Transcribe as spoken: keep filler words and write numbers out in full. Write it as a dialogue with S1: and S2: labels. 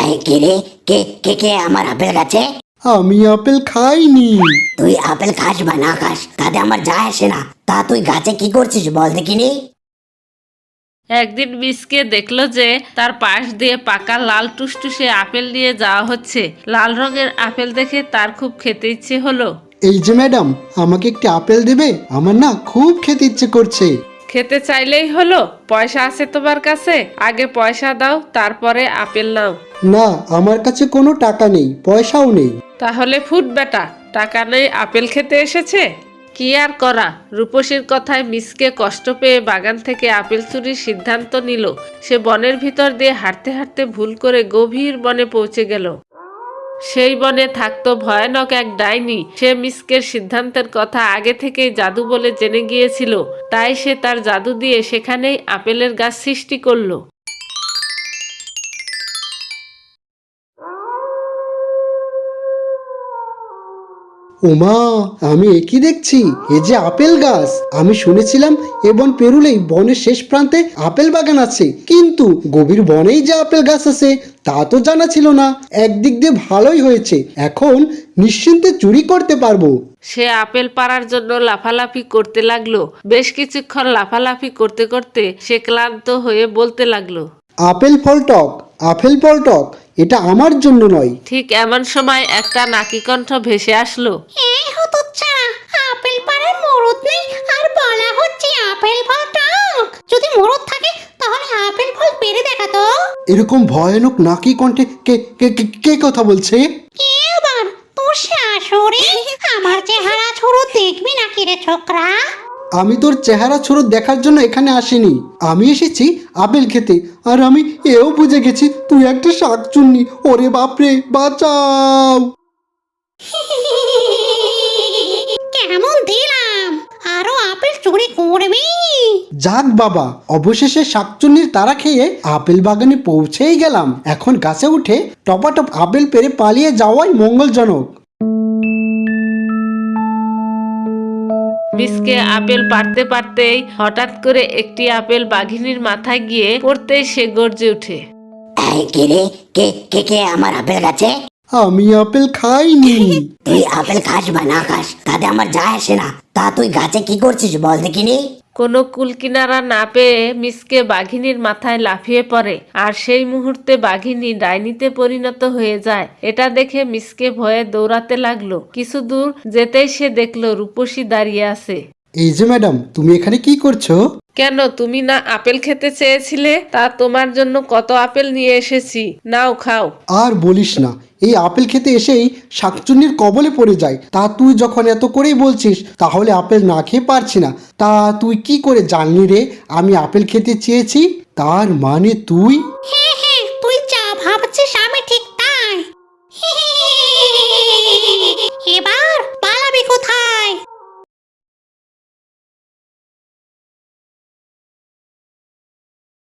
S1: এই কে রে? কে কে কে আমার আপেল গাছে?
S2: আমি আপেল খাইনি।
S1: তুই আপেল খাস বা না খাস তাতে আমার যায় আসে না। তা তুই গাছে কি করছিস বল দেখিনি?
S3: একদিন মিসকে দেখলো যে তার পাশ দিয়ে পাকা লাল টুসটুসে আপেল নিয়ে যাওয়া হচ্ছে। লাল রঙের আপেল দেখে তার খুব খেতে ইচ্ছে হলো।
S2: এই যে ম্যাডাম, আমাকে একটি আপেল দেবে? আমার না খুব খেতে ইচ্ছে করছে।
S3: খেতে চাইলেই হলো? পয়সা আছে তোমার কাছে? আগে পয়সা দাও, তারপরে আপেল নাও।
S2: না, আমার কাছে কোনো টাকা নেই, পয়সাও নেই।
S3: তাহলে ফুট বেটা, টাকা নেই আপেল খেতে এসেছে? কি আর করা, রূপসীর কথায় মিসকে কষ্ট পেয়ে বাগান থেকে আপেল চুরির সিদ্ধান্ত নিল। সে বনের ভিতর দিয়ে হাঁটতে হাঁটতে ভুল করে গভীর বনে পৌঁছে গেল। সেই বনে থাকতো ভয়ানক এক ডাইনি। সে মিসকের সিদ্ধান্তের কথা আগে থেকেই জাদু বলে জেনে গিয়েছিল, তাই সে তার জাদু দিয়ে সেখানেই আপেলের গাছ সৃষ্টি করলো।
S2: ওমা, আমি একই দেখছি, এ যে আপেল গাছ। আমি শুনেছিলাম এ বন পেরুলেই বনের শেষ প্রান্তে আপেল বাগান আছে, কিন্তু গভীর বনেই যে আপেল গাছ আছে তা তো জানা ছিল না। একদিক দিয়ে ভালোই হয়েছে, এখন নিশ্চিন্তে চুরি করতে পারবো।
S3: সে আপেল পাড়ার জন্য লাফালাফি করতে লাগলো। বেশ কিছুক্ষণ লাফালাফি করতে করতে সে ক্লান্ত হয়ে বলতে লাগলো,
S2: আপেল ফল টক, আপেল ফল টক, এটা আমার জন্য নয়।
S3: ঠিক এমন সময় একটা নাকি কণ্ঠ ভেসে আসলো।
S4: এই হতচ্ছাড়া, আপেল পাড়ার মরদ নেই আর বলা হচ্ছে আপেল ফল টক। যদি মরদ থাকে তাহলে আপেল ফল পেরে দেখা তো।
S2: এরকম ভয়ানক নাকি কণ্ঠে কে কে কে- কে কথা বলছে?
S4: কে আবার? তোর শাশুড়ি। আমার চেহারা ছোড়ো দেখবি নাকি রে ছোকরা?
S2: আমি তোর চেহারা ছোট দেখার জন্য এখানে আসিনি, আমি এসেছি আপেল খেতে। আর আমি এও বুঝে গেছি তুই একটা শাকচুন্নি। ওরে বাপরে, বাঁচাও!
S4: কেমন দিলাম? আরো আপেল চুরি করবি?
S2: যাক বাবা, অবশেষে শাকচুন্নির তারা খেয়ে আপেল বাগানে পৌঁছেই গেলাম। এখন গাছে উঠে টপাটপ আপেল পেরে পালিয়ে যাওয়াই মঙ্গলজনক।
S3: মিসকে আপেল পাড়তে পারতেই হঠাৎ করে একটি আপেল বাঘিনীর মাথায় গিয়ে পড়তেই সে গর্জে ওঠে।
S1: এই কে রে? কে কে কে আমার আপেল গাছে?
S2: আমি আপেল খাইনি।
S1: তুই আপেল খাস বা না খাস তাতে আমার যায় আসে না। তা তুই গাছে কি করছিস বল দেখিনি?
S3: কোনো কুলকিনারা না পেয়ে মিসকে বাঘিনীর মাথায় লাফিয়ে পড়ে, আর সেই মুহূর্তে বাঘিনী ডাইনিতে পরিণত হয়ে যায়। এটা দেখে মিসকে ভয়ে দৌড়াতে লাগলো। কিছু দূর যেতেই সে দেখলো রূপসী দাঁড়িয়ে আছে।
S2: এই যে ম্যাডাম, তুমি এখানে কি করছো?
S3: কেন, তুমি না আপেল খেতে চেয়েছিলে? তা তোমার জন্য কত আপেল নিয়ে এসেছি, নাও খাও।
S2: আর বলিস না, এই আপেল খেতে এসেই শাকচুন্নির কবলে পড়ে যায়। তা তুই যখন এত করেই বলছিস, তাহলে আপেল না খেয়ে পারছি না। তা তুই কি করে জানলি রে আমি আপেল খেতে চেয়েছি? তার মানে তুই...